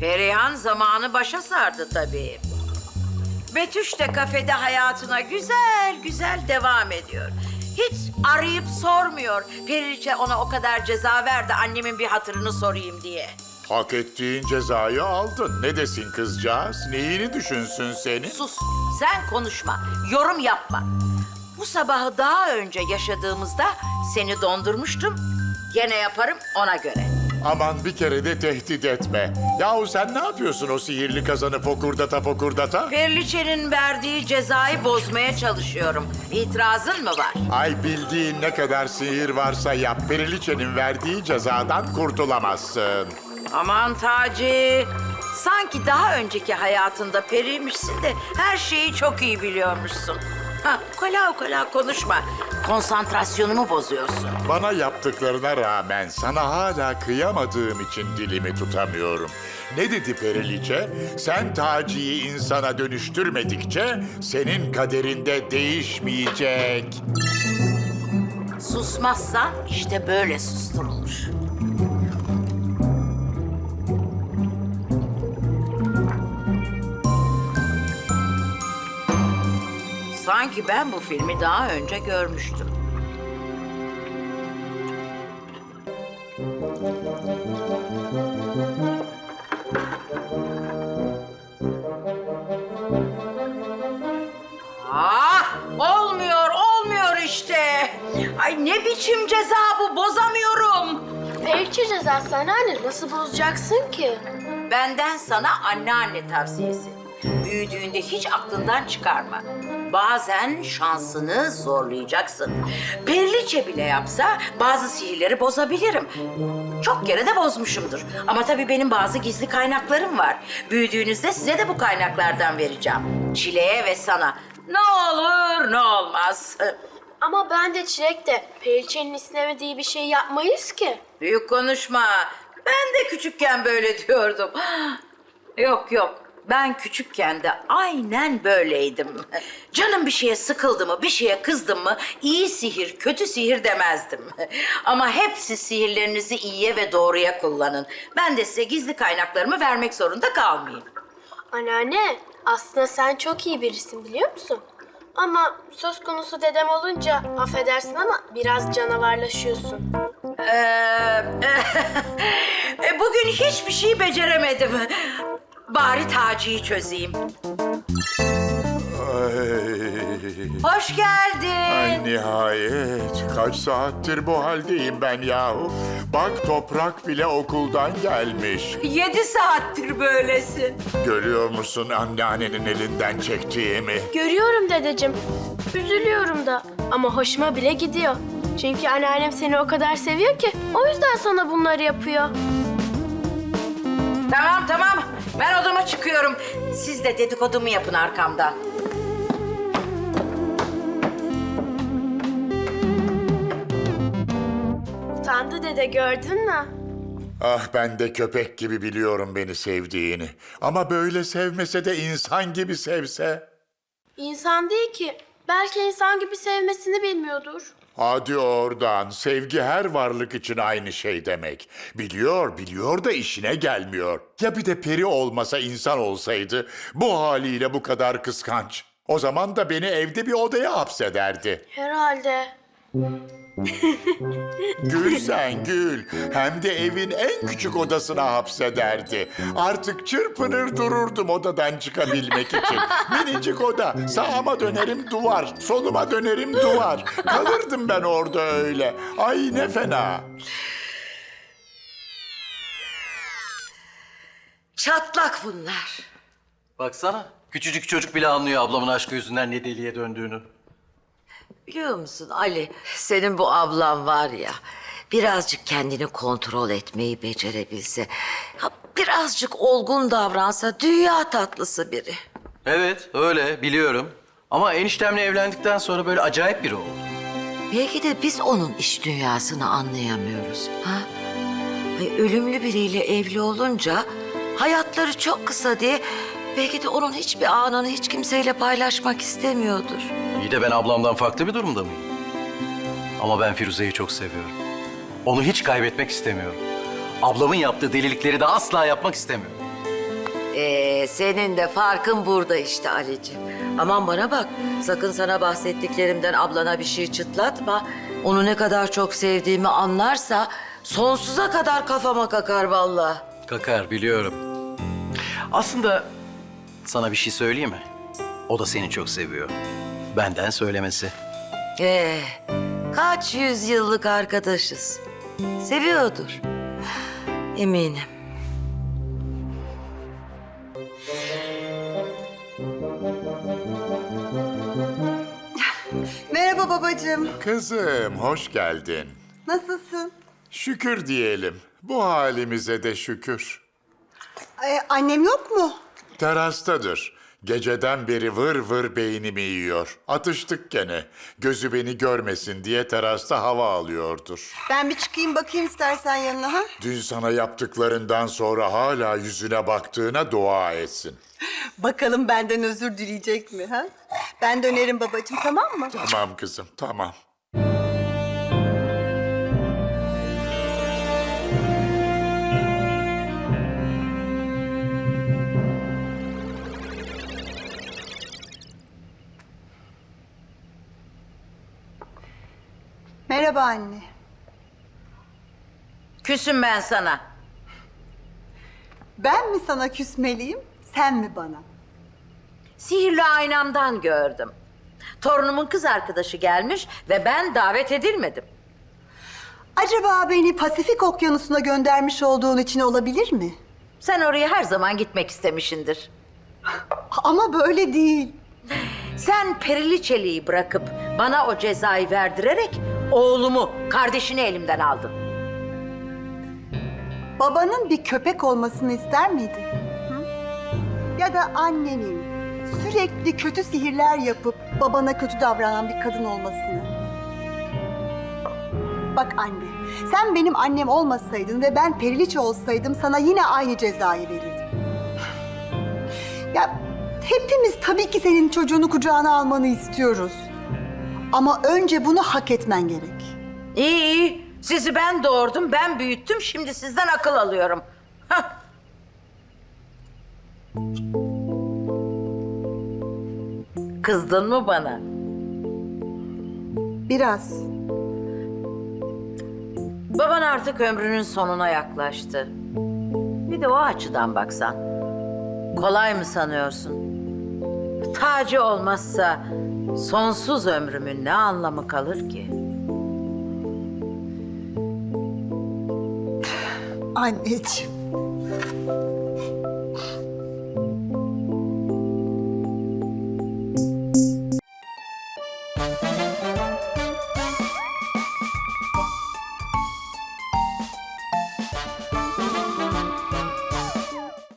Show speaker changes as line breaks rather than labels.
Perihan zamanı başa sardı tabii. Betüş de kafede hayatına güzel güzel devam ediyor. Hiç arayıp sormuyor. Periliçe ona o kadar ceza verdi annemin bir hatırını sorayım diye.
Hak ettiğin cezayı aldın. Ne desin kızcağız? Neyini düşünsün senin?
Sus, sen konuşma, yorum yapma. Bu sabahı daha önce yaşadığımızda seni dondurmuştum. Gene yaparım ona göre.
Aman bir kere de tehdit etme. Yahu sen ne yapıyorsun o sihirli kazanı fokurdata fokurdata?
Periliçe'nin verdiği cezayı bozmaya çalışıyorum. İtirazın mı var?
Ay bildiğin ne kadar sihir varsa yap. Periliçe'nin verdiği cezadan kurtulamazsın.
Aman Taci, sanki daha önceki hayatında periymişsin de her şeyi çok iyi biliyormuşsun. Ha, ukala konuşma. Konsantrasyonumu bozuyorsun.
Bana yaptıklarına rağmen sana hala kıyamadığım için dilimi tutamıyorum. Ne dedi Periliçe? Sen Taci'yi insana dönüştürmedikçe senin kaderinde değişmeyecek.
Susmazsan işte böyle susturulur. Sanki ben bu filmi daha önce görmüştüm. Olmuyor işte. Ay ne biçim ceza bu, bozamıyorum.
Periliçe cezası anneanne, nasıl bozacaksın ki?
Benden sana anneanne tavsiyesi. Büyüdüğünde hiç aklından çıkarma. Bazen şansını zorlayacaksın. Periliçe bile yapsa bazı sihirleri bozabilirim. Çok kere de bozmuşumdur. Ama tabii benim bazı gizli kaynaklarım var. Büyüdüğünüzde size de bu kaynaklardan vereceğim. Çileğe ve sana. Ne olur ne olmaz.
Ama ben de Çilek de Periliçe'nin istemediği bir şey yapmayız ki.
Büyük konuşma. Ben de küçükken böyle diyordum. Yok. Ben küçükken de aynen böyleydim. Canım bir şeye sıkıldı mı, bir şeye kızdım mı iyi sihir, kötü sihir demezdim. Ama hepsi sihirlerinizi iyiye ve doğruya kullanın. Ben de size gizli kaynaklarımı vermek zorunda kalmayayım.
Anneanne, aslında sen çok iyi birisin biliyor musun? Ama söz konusu dedem olunca affedersin ama biraz canavarlaşıyorsun.
Bugün hiçbir şey beceremedim. Bari Taci'yi çözeyim. Hoş geldin.
Ay nihayet. Kaç saattir bu haldeyim ben yahu. Bak Toprak bile okuldan gelmiş.
7 saattir böylesin.
Görüyor musun anneannenin elinden çektiğimi?
Görüyorum dedeciğim. Üzülüyorum da ama hoşuma bile gidiyor. Çünkü anneannem seni o kadar seviyor ki o yüzden sana bunları yapıyor.
Tamam. Ben odama çıkıyorum. Siz de dedikodumu yapın arkamdan.
Utandı dede, gördün mü?
Ah ben de köpek gibi biliyorum beni sevdiğini. Ama böyle sevmese de insan gibi sevse.
İnsan değil ki. Belki insan gibi sevmesini bilmiyordur.
Hadi oradan. Sevgi her varlık için aynı şey demek. Biliyor da işine gelmiyor. Ya bir de peri olmasa insan olsaydı bu haliyle bu kadar kıskanç. O zaman da beni evde bir odaya hapsederdi.
Herhalde.
Gül sen gül. Hem de evin en küçük odasına hapsederdi. Artık çırpınır dururdum odadan çıkabilmek için. Minicik oda. Sağıma dönerim duvar. Soluma dönerim duvar. Kalırdım ben orada öyle. Ay ne fena.
Çatlak bunlar.
Baksana, küçücük çocuk bile anlıyor ablamın aşkı yüzünden ne deliye döndüğünü.
Biliyor musun Ali, senin bu ablan var ya, birazcık kendini kontrol etmeyi becerebilse, ha, birazcık olgun davransa dünya tatlısı biri.
Evet, öyle biliyorum. Ama eniştemle evlendikten sonra böyle acayip biri oldu.
Belki de biz onun iç dünyasını anlayamıyoruz. Ha? Ay, ölümlü biriyle evli olunca hayatları çok kısa diye belki de onun hiçbir anını hiç kimseyle paylaşmak istemiyordur.
İyi de ben ablamdan farklı bir durumda mıyım? Ama ben Firuze'yi çok seviyorum. Onu hiç kaybetmek istemiyorum. Ablamın yaptığı delilikleri de asla yapmak istemiyorum.
Senin de farkın burada işte Ali'ciğim. Aman bana bak, sakın sana bahsettiklerimden ablana bir şey çıtlatma. Onu ne kadar çok sevdiğimi anlarsa sonsuza kadar kafama kakar vallahi.
Kakar biliyorum. Aslında sana bir şey söyleyeyim mi? O da seni çok seviyor. Benden söylemesi.
Kaç yüzyıllık arkadaşız. Seviyordur. Eminim.
Merhaba babacığım.
Kızım, hoş geldin.
Nasılsın?
Şükür diyelim. Bu halimize de şükür.
Annem yok mu?
Terastadır. Geceden beri vır vır beynimi yiyor. Atıştık gene. Gözü beni görmesin diye terasta hava alıyordur.
Ben bir çıkayım bakayım istersen yanına ha?
Dün sana yaptıklarından sonra hala yüzüne baktığına dua etsin.
Bakalım benden özür dileyecek mi ha? Ben dönerim babacığım, tamam mı?
Tamam kızım, tamam.
Merhaba anne.
Küsüm ben sana.
Ben mi sana küsmeliyim, sen mi bana?
Sihirli aynamdan gördüm. Torunumun kız arkadaşı gelmiş ve ben davet edilmedim.
Acaba beni Pasifik Okyanusu'na göndermiş olduğun için olabilir mi?
Sen oraya her zaman gitmek istemişindir.
Ama böyle değil.
Sen Periliçeli'yi bırakıp bana o cezayı verdirerek oğlumu, kardeşini elimden aldın.
Babanın bir köpek olmasını ister miydin? Hı? Ya da annenin sürekli kötü sihirler yapıp babana kötü davranan bir kadın olmasını? Bak anne, sen benim annem olmasaydın ve ben Periliçe olsaydım sana yine aynı cezayı verirdim. Ya hepimiz tabii ki senin çocuğunu kucağına almanı istiyoruz. Ama önce bunu hak etmen gerek.
İyi iyi. Sizi ben doğurdum, ben büyüttüm. Şimdi sizden akıl alıyorum. Hah. Kızdın mı bana?
Biraz.
Baban artık ömrünün sonuna yaklaştı. Bir de o açıdan baksan. Kolay mı sanıyorsun? Tacı olmazsa sonsuz ömrümün ne anlamı kalır ki?
Anneciğim.